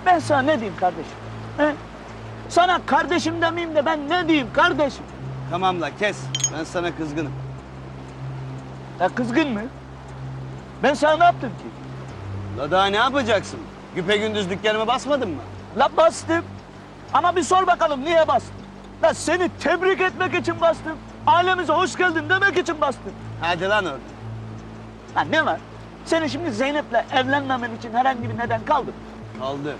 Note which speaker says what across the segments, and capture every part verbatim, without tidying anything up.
Speaker 1: Ben sana ne diyeyim kardeşim? He? Sana kardeşim demeyeyim de ben ne diyeyim kardeşim?
Speaker 2: Tamam la kes. Ben sana kızgınım.
Speaker 1: Ya kızgın mı? Ben sana ne yaptım ki?
Speaker 2: La daha ne yapacaksın? Güpegündüz dükkanıma basmadın mı?
Speaker 1: La bastım. Ama bir sor bakalım niye bastım? La seni tebrik etmek için bastım. Ailemize hoş geldin demek için bastım.
Speaker 2: Hadi lan orada.
Speaker 1: Ha ne var? Senin şimdi Zeynep'le evlenmemen için herhangi bir neden kaldı mı?
Speaker 2: Kaldı.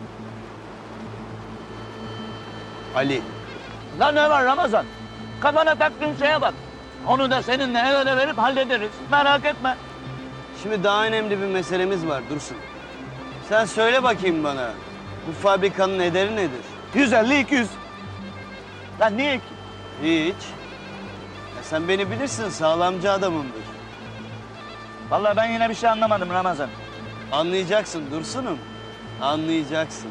Speaker 2: Ali.
Speaker 1: La ne var Ramazan? Kafana taktığın şeye bak. Onu da seninle el ele verip hallederiz. Merak etme.
Speaker 2: Şimdi daha önemli bir meselemiz var Dursun. Sen söyle bakayım bana. Bu fabrikanın ederi nedir?
Speaker 1: yüz elli iki yüz. Lan niye ki?
Speaker 2: Hiç. Ya sen beni bilirsin, sağlamcı adamımdır.
Speaker 1: Vallahi ben yine bir şey anlamadım Ramazan.
Speaker 2: Anlayacaksın Dursun'um. Anlayacaksın.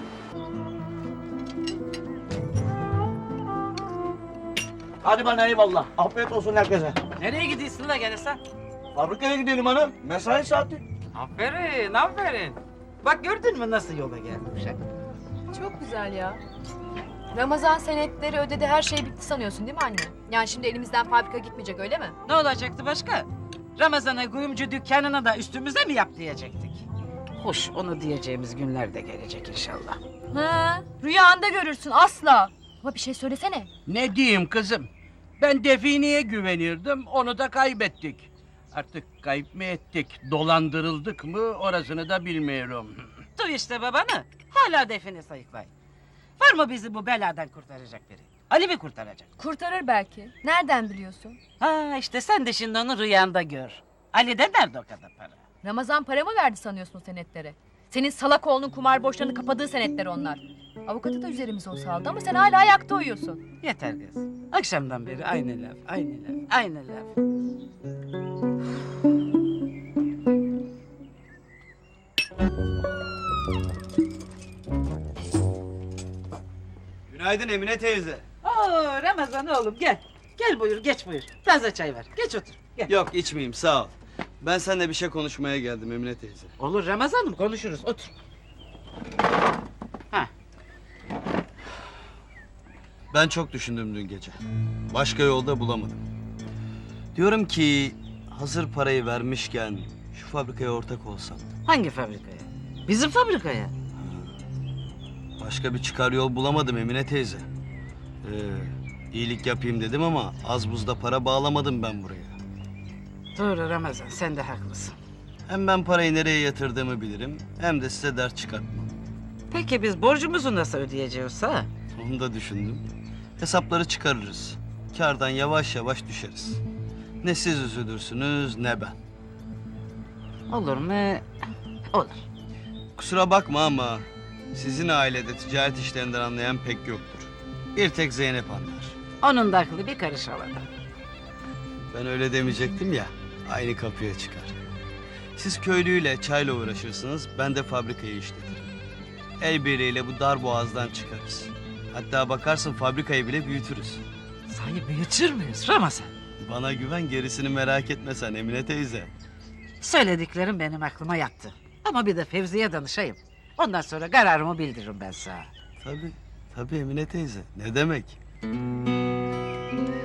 Speaker 1: Hadi bana eyvallah. Afiyet olsun herkese.
Speaker 3: Nereye gidiyorsun la gene sen?
Speaker 1: Fabrikaya gidelim hanım. Mesai saati.
Speaker 3: Aferin, aferin. Bak gördün mü nasıl yola gelmiş ha?
Speaker 4: Çok güzel ya. Ramazan senetleri ödedi, her şey bitti sanıyorsun değil mi anne? Yani şimdi elimizden fabrika gitmeyecek öyle mi?
Speaker 3: Ne olacaktı başka? Ramazan'a kuyumcu dükkanına da üstümüze mi yap diyecektik? Hoş, onu diyeceğimiz günler de gelecek inşallah.
Speaker 4: Ha, rüyanda görürsün asla. Ama bir şey söylesene.
Speaker 5: Ne diyeyim kızım? Ben Define'ye güvenirdim, onu da kaybettik. Artık kayıp mı ettik, dolandırıldık mı orasını da bilmiyorum.
Speaker 3: Duy işte babanı, hala define sayıklay. Var mı bizi bu beladan kurtaracak biri? Ali mi kurtaracak?
Speaker 4: Kurtarır belki. Nereden biliyorsun?
Speaker 3: Ha işte sen de şimdi onu rüyanda gör. Ali'de nerede o kadar para?
Speaker 4: Ramazan para mı verdi sanıyorsun o senetlere? Senin salak oğlunun kumar borçlarını kapadığı senetler onlar. Avukatı da üzerimize o saldı ama sen hala ayakta uyuyorsun.
Speaker 3: Yeter kız. Akşamdan beri aynı laf, aynı laf, aynı laf.
Speaker 2: Günaydın Emine teyze.
Speaker 3: Oo Ramazan oğlum gel. Gel buyur geç buyur. Taze çay ver. Geç otur. Gel.
Speaker 2: Yok içmeyeyim sağ ol. Ben seninle bir şey konuşmaya geldim Emine teyze.
Speaker 3: Olur Ramazan'ım konuşuruz otur. Ha.
Speaker 2: Ben çok düşündüm dün gece. Başka yolda bulamadım. Diyorum ki hazır parayı vermişken şu fabrikaya ortak olsam.
Speaker 3: Hangi fabrikaya? Bizim fabrikaya.
Speaker 2: Başka bir çıkar yol bulamadım Emine teyze. Ee, iyilik yapayım dedim ama az buzda para bağlamadım ben buraya.
Speaker 3: Doğru Ramazan sen de haklısın.
Speaker 2: Hem ben parayı nereye yatırdığımı bilirim hem de size dert çıkartmam.
Speaker 3: Peki biz borcumuzu nasıl ödeyeceğiz ha?
Speaker 2: Onu da düşündüm. Hesapları çıkarırız. Kârdan yavaş yavaş düşeriz. Ne siz üzülürsünüz ne ben.
Speaker 3: Olur mu? Olur.
Speaker 2: Kusura bakma ama sizin ailede ticaret işlerinden anlayan pek yoktur. Bir tek Zeynep anlar.
Speaker 3: Onun da aklı bir karış havada.
Speaker 2: Ben öyle demeyecektim ya, aynı kapıya çıkar. Siz köylüyle, çayla uğraşırsınız, ben de fabrikayı işletirim. El birliğiyle bu dar boğazdan çıkarız. Hatta bakarsın fabrikayı bile büyütürüz.
Speaker 3: Sahi büyütür müyüz Ramazan?
Speaker 2: Bana güven, gerisini merak etme sen Emine teyze.
Speaker 3: Söylediklerim benim aklıma yattı. Ama bir de Fevzi'ye danışayım. Ondan sonra kararımı bildiririm ben sana.
Speaker 2: Tabii, tabii Emine teyze. Ne demek?